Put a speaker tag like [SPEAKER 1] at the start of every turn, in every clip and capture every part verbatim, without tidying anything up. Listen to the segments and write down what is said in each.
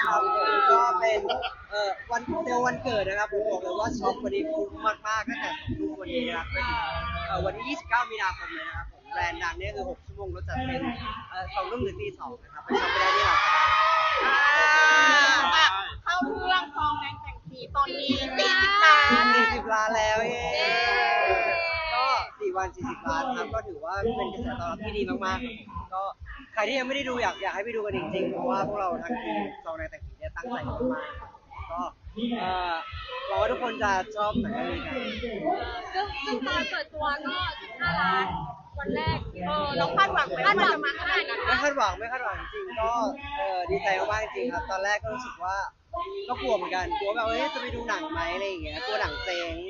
[SPEAKER 1] ครับผมก็เป็นเอ่อวันเซลล์วันเกิดนะครับผมบอกเลยว่าช็อปวันนี้คุ้มมากๆตั้งแต่สองทุ่มวันนี้นะครับไปถึงเอ่อวันที่ยี่สิบเก้ามีนาคมเลยนะครับผมแบรนด์ดังเนี่ยคือหกชั่วโมงรถจัดเต็มเอ่อสองทุ่มถึงตีสองนะครับไปช็อปไปได้ที่เรา
[SPEAKER 2] อ่าอ่ะเข้าเรื่องทองแดงแต่งสีตอนนี้สี่สิบล้าน
[SPEAKER 1] สี่สิบล้านแล้วเย้ก็สี่วันสี่สิบล้านครับก็ถือว่าเป็นกระแสตอบรับที่ดีมากๆครับผมก็ใครที่ยังไม่ได้ดูอยากอยากให้ไปดูกันจริงๆเพราะว่าพวกเราทั้งทีมซองในแต่งผีเนี่ยตั้งใจมากๆก็เอ่อหวังว่าทุกคนจะชอบหนังเรื่องนี้กัน
[SPEAKER 3] ซึ่งซึ่งตอนเปิดตัวก็สิบห้าล้านวันแรกเออเรา
[SPEAKER 2] เราคาดหวังไหม
[SPEAKER 3] คาด
[SPEAKER 2] ว่า
[SPEAKER 3] หวั
[SPEAKER 2] มัน
[SPEAKER 3] ง
[SPEAKER 2] จะ
[SPEAKER 3] มา
[SPEAKER 2] มา
[SPEAKER 3] ข
[SPEAKER 2] ข
[SPEAKER 3] นา
[SPEAKER 2] นา
[SPEAKER 3] ด
[SPEAKER 2] ด
[SPEAKER 3] นั้
[SPEAKER 2] นั้น น
[SPEAKER 1] ไม่คาดหวังไม่คาดหวังจริงก็เออดีใจมากๆจริงครับตอนแรกก็รู้สึกว่าก็กลัวเหมือนกันกลัวแบบเอ้ยจะไปดูหนังไหมอะไรอย่างเงี้ยกลัวหนังเจ๊ง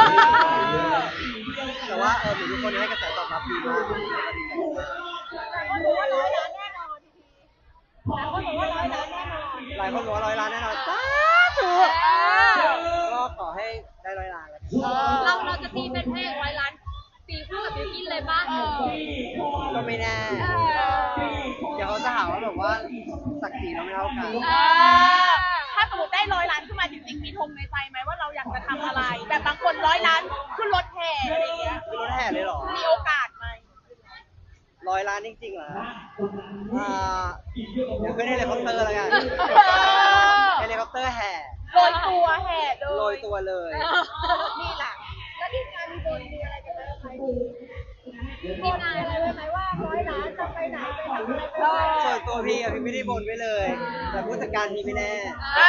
[SPEAKER 1] แต่ว่าเออเหมือนทุกคนให้กระแสตอบรับดีมากก็ดีใจมาก
[SPEAKER 2] ก็รู้ว่าร้อยล้านแน่นอนทีแล้วก็รู้ว่าร้อยล้านแน่นอน
[SPEAKER 1] หลายคนบอกว่าร้อยล้านแน่นอนสาธุก็ขอให้ได้ร้อยล้านแล้วกัน
[SPEAKER 3] เราเราจะตีเป็นพระเอกร้อยล้านตีคู่กับบิวกินเลยป่ะ
[SPEAKER 1] ก็ไม่แน่เดี๋ยวเขาจะหาว่าแบบว่าศักดิ์ศรีเราไม่เท่ากัน
[SPEAKER 2] เออถ้าสมมติได้ร้อยล้านขึ้นมาจริงๆมีธงในใจไหมว่าเราอยากจะทำอะไร แบบบางคนร้อยล้านขึ้นรถแห่อะไรอย่างเงี้ย
[SPEAKER 1] คือรถแห่เลยเหรอ
[SPEAKER 2] มีโอกาสไหม
[SPEAKER 1] ร้อยล้านจริงๆเหรออ่าเดี๋ยวขึ้นเฮลิคอปเตอร์แล้วกันเฮลิคอปเตอร์แห่
[SPEAKER 2] โรยตัวแห่เล
[SPEAKER 1] โรย
[SPEAKER 2] ย
[SPEAKER 1] ตัวเลย
[SPEAKER 2] นี่แหละแล้วทีมงานมีบนมีอะไรกันไหมไหมมีงานอะไรไว้ไหมว่าร้อยล้านจะไปไหนไปทำอะไรไปไหน
[SPEAKER 1] ส่วนตัวพี่อะพี่ไม่ได้บนไว้เลย แต่ผู้จัดการพี่ไม่แน่
[SPEAKER 2] อ่า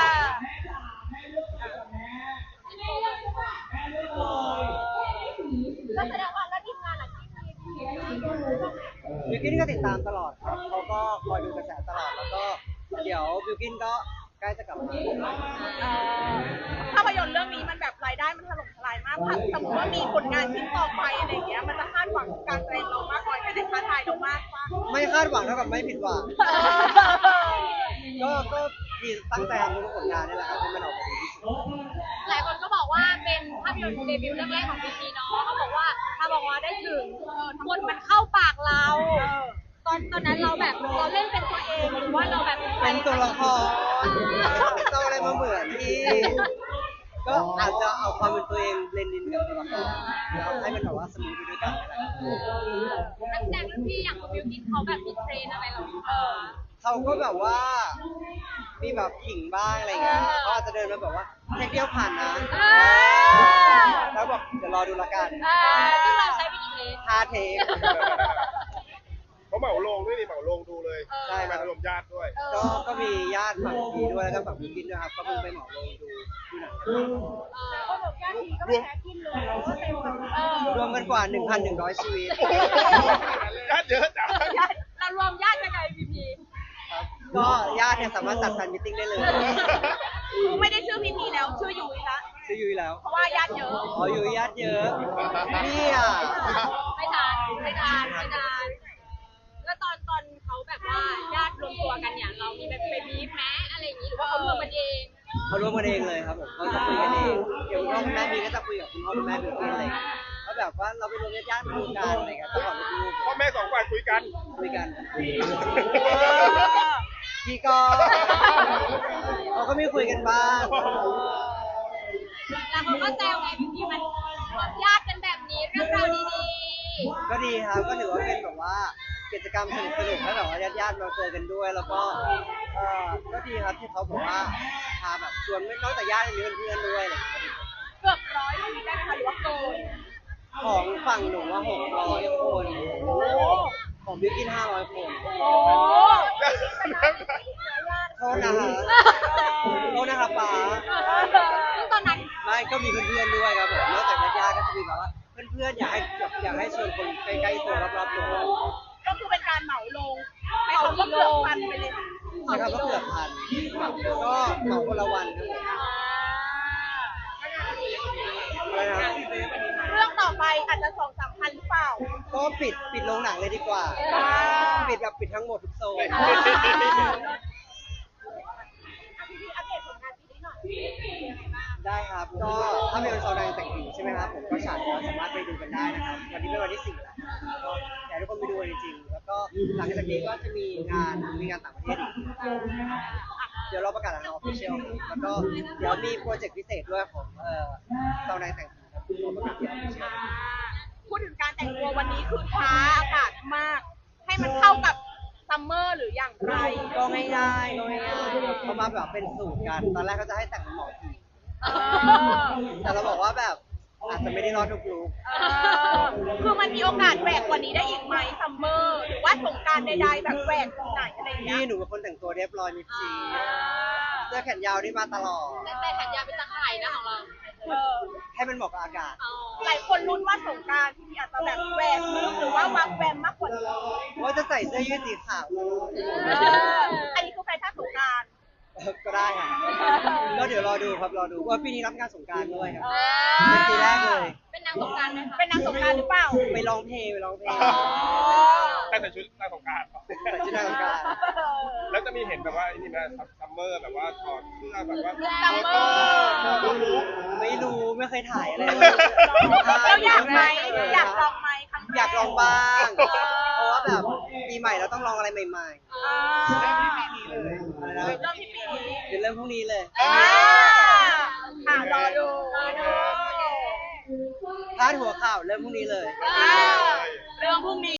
[SPEAKER 2] ก็แสดงว่าแล้วทีมงานหลังที่มีทีมงานดูบ้างไหม
[SPEAKER 1] บิวกินก็ติดตามตลอดครับเขาก็คอยดูกระแสตลอด แล้วก็เดี๋ยวบิวกินก็ใกล้จะกลับมา
[SPEAKER 2] เอ่อภาพยนตร์เรื่องนี้มันแบบรายได้มันถล่มทลายมากถ้าสมมติว่ามีผลงานชิ้นต่อไปอะไรอย่างเงี้ยมันจะคาดหวังการแสดงเรามากน้อยแค่ไหนท้าทายเรามากกว่า
[SPEAKER 1] ไม่คาดหวังเท่ากับไม่ผิดหวัง ก็ก็พี่ตั้งใจทำทุกผลงานนี่แหละครับให้มันออกมาดีที่สุด
[SPEAKER 3] หลายคนก็บอกว่าเป็นภาพยนตร์เดบิวต์เรื่องแรกของพีพีเนาะเขาบอกว่าถ้าบอกว่าได้ถึงเออทั้งหมดมันเข้าปากเรา ตอนตอนนั้นเราแบบเราเล่นเป็นตัวเองหรือว่าเราแบบ
[SPEAKER 1] เป็นตัวละครเจ้าอะไรมาเหมือนที่ ก็อาจจะเอาความเป็นตัวเองเบลนด์อินกับตัวละครแล้วให้มันแบบว่าสมูทไปด้วยกันนี่แหละ
[SPEAKER 3] นักแสดงรุ่นพี่อย่างคุณบิวกินเขาแบบมีเทรนอะไรเราเออ
[SPEAKER 1] เขาก็แบบว่ามีแบบขิงบ้างอะไรเงี้ยเขาอาจจะเดินมาแบบว่าเทคเดียวผ่านนะ แล้วบอกเดี๋ยวรอดูละกัน
[SPEAKER 3] ซึ่งเราใช้ไปกี่เทป
[SPEAKER 1] ห้าเทค
[SPEAKER 4] เขาเหมาลงด้วยนี่เหมาลงดูเลย
[SPEAKER 1] ใช่ค
[SPEAKER 4] มา
[SPEAKER 1] รับ
[SPEAKER 4] ถล่มญาติด้วย
[SPEAKER 1] ก็ก็มีญาติฝั่งพีด้วยแล้วก็ฝั่งพีกินด้วยครับก็เพิ่งไปเหมาลงดูดูหนังกันมา
[SPEAKER 2] แล้วก็บอกญาติทีก็ไม่แพ้กินเลยเพราะว่าเต็มแบบเออ
[SPEAKER 1] รวมกันกว่า หนึ่งพันหนึ่งร้อย ชีวิต
[SPEAKER 4] ญาติเยอะจัง
[SPEAKER 2] ญาติเรารวมญาติยังไงพีพี
[SPEAKER 1] ครับก็ญาติเนี่ยสามารถจัดแฟนมิทติ้งได้เลย
[SPEAKER 2] คือไม่ได้ชื่อพีพีแล้วชื่อยุ้ยละ
[SPEAKER 1] ชื่อยุ้ยแล้ว
[SPEAKER 2] เพราะว่าญาติเยอะ
[SPEAKER 1] อ๋อยุ้ยญาติเยอะนี่อ่ะ
[SPEAKER 3] ไม่ทานไม่ทานไม่ทานแล้วตอนตอนเขาแบบว่าญาติรวมตัวกันเนี่ยเรามีแบบไปบีบแม้อะไรอย่างนี้หรือว่าเขารวมกันเอง
[SPEAKER 1] เขาร่วมกันเองเลยครับผมเขาจะคุยกันเองเดี๋ยวคุณพ่อคุณแม่มีก็จะคุยกับคุณพ่อคุณแม่บิวกินอะไรอย่างเงี้ยก็แบบว่าเราไปรวมญาติๆมาดูกันอะไรเงี้ยต้องขอลูก
[SPEAKER 4] พ่อแม่สองฝ่ายคุยกัน
[SPEAKER 1] ๆคุยกันพี่ก็ เขาก็มีคุยกันบ้าง
[SPEAKER 3] แล้วเขาก็แซวไงพี่พี่มันรวมญาติกันแบบนี้เรื่องราวดี
[SPEAKER 1] ก็ดีครับก็ถือว่าเป็นแบบว่ากิจกรรมสนุกสนุกให้แบบว่าญาติๆมาเจอกันด้วย แล้วก็เออก็ดีครับที่เขาบอกว่าพาแบบชวนไม่นอกจากญาติยังมีเพื่อนๆด้วยอะไรอย่างเงี้ย
[SPEAKER 2] เกือบร้อยชีวิตได้ไหมคะหรือว่าเกิน
[SPEAKER 1] ของฝั่งหนูว่าหกร้อยคน
[SPEAKER 2] โอ้
[SPEAKER 1] ของบิวกินห้าร้อยคน
[SPEAKER 2] โห
[SPEAKER 1] โทษนะคะโทษนะคะป๋า
[SPEAKER 3] ๆซึ่งตอนนั้น
[SPEAKER 1] ไม่ก็มีเพื่อนๆด้วยครับผมนอกจากญาติๆก็จะมีแบบว่าเพื่อนๆอยากให้อยากให้ชวนคนใกล้ๆตัวรอบๆตัว
[SPEAKER 2] ก็คือเป็นการเหมาลงให้เขาก็เกือบพันไปเลย
[SPEAKER 1] ใช่ครับก็เกือบพันก็เหมาคนละวันครับผมอะไรนะ
[SPEAKER 2] เรื่องต่อไปอาจจะสองสามพันหรือเปล่า
[SPEAKER 1] ก็ปิดปิดโรงหนังเลยดีกว่า ปิดแบบปิดทั้งหมดทุกโซน
[SPEAKER 2] อ่า พี่พี่อัปเดตผลงานปีนี้หน่อย
[SPEAKER 1] ได้ครับ ก็ถ้าเป็นซาวดังแต่งผีใช่ไหมครับผมก็ฉายแล้วสามารถไปดูกันได้นะครับ วันนี้เป็นวันที่สี่แล้วก็อยากให้ทุกคนไปดูกันจริงๆ แล้วก็หลังจากนี้ก็จะมีงานมีงานต่างประเทศอีก
[SPEAKER 2] ถ
[SPEAKER 1] เดี๋ยวเราประกาศทางออฟฟิเชียลแล้วก็เดี๋ยวมีโปรเจกต์พิเศษด้วยของเอ่อเจ้านายแต่งผีครับเราประกาศที่ออฟฟิเชียล
[SPEAKER 2] พูดถึงการแต่งตัววันนี้คือท้าอากาศมาก ให้มันเข้ากับซัมเมอร์หรืออย่างไร
[SPEAKER 1] ก็ง่ายๆก็ง่ายๆเขามาแบบเป็นสูตรกัน ตอนแรกเขาจะให้แต่งเป็นหมอผี
[SPEAKER 2] เออ
[SPEAKER 1] แต่เราบอกว่าแบบอาจจะไม่ได้รอดทุกลุค
[SPEAKER 2] เออคือมันมีโอกาสแหวกกว่านี้ได้อีกไหมซัมเมอร์หรือว่าสงกรารใดๆแบบแหวกตรงไหนอะไรอย่างเงี้
[SPEAKER 1] พี่
[SPEAKER 2] ย
[SPEAKER 1] หนูเป็นคนแต่งตัวเรียบร้อยมิดชี
[SPEAKER 2] เออ
[SPEAKER 1] เสื้อแขนยาวนี่มาตลอด
[SPEAKER 3] แต่แต่แขนยาวเป็นตะข่ายนะของเรา
[SPEAKER 2] เออ
[SPEAKER 1] ให้มันเหมาะกับอากาศ
[SPEAKER 3] อ๋อ
[SPEAKER 2] หลายคนลุ้นว่าสงกรารที่อาจจะแบบแหวกลึกหรือว่าวักแวมมากกว่านี้
[SPEAKER 1] ว่าจะใส่เสื้อยืดสีขาว
[SPEAKER 2] เอออันนี้คือแฟชั่นสงกราร
[SPEAKER 1] ก็ได้ค่ะก็เดี๋ยวรอดูครับรอดูว่าปีนี้รับงานสงกรารด้วยครับ
[SPEAKER 2] เอ
[SPEAKER 1] เป็นปีแรกเลย
[SPEAKER 3] เป็นนางสงกรารไหมคะ
[SPEAKER 2] เป็นนางสงกรารหรือเปล่า
[SPEAKER 1] ไปร้องเพลงไปร้องเพลง
[SPEAKER 2] อ๋อ
[SPEAKER 4] แต่ใส่ชุดนางสงกราร
[SPEAKER 1] ใส่ชุดนางสงกรานต์
[SPEAKER 4] แล้วจะมีเห็นแบบว่าไอ้นี่นะซัมเมอร์แบบว่าถอดเสื้อแบบว่า
[SPEAKER 2] ซัมเมอร์
[SPEAKER 4] โตลุก
[SPEAKER 1] ไม่รู้ไม่เคยถ่ายอะไร
[SPEAKER 2] เราอยากไหมอยากลองไหมครั้งแร
[SPEAKER 1] อยากลองบ้าง
[SPEAKER 2] เออ
[SPEAKER 1] เพราะว่าแบบปีใหม่เราต้องลองอะไรใหม่
[SPEAKER 2] อ่า
[SPEAKER 1] ๆอะไรนะ
[SPEAKER 2] เริ่มที่ปีนี้
[SPEAKER 1] เดี๋ยวเริ่มพรุ่งนี้เลย
[SPEAKER 2] อ่าอ่ารอดูรอดู
[SPEAKER 1] พาดหัวข่าวเริ่มพรุ่งนี้เลย
[SPEAKER 2] อ่าเรื่องพรุ่งนี้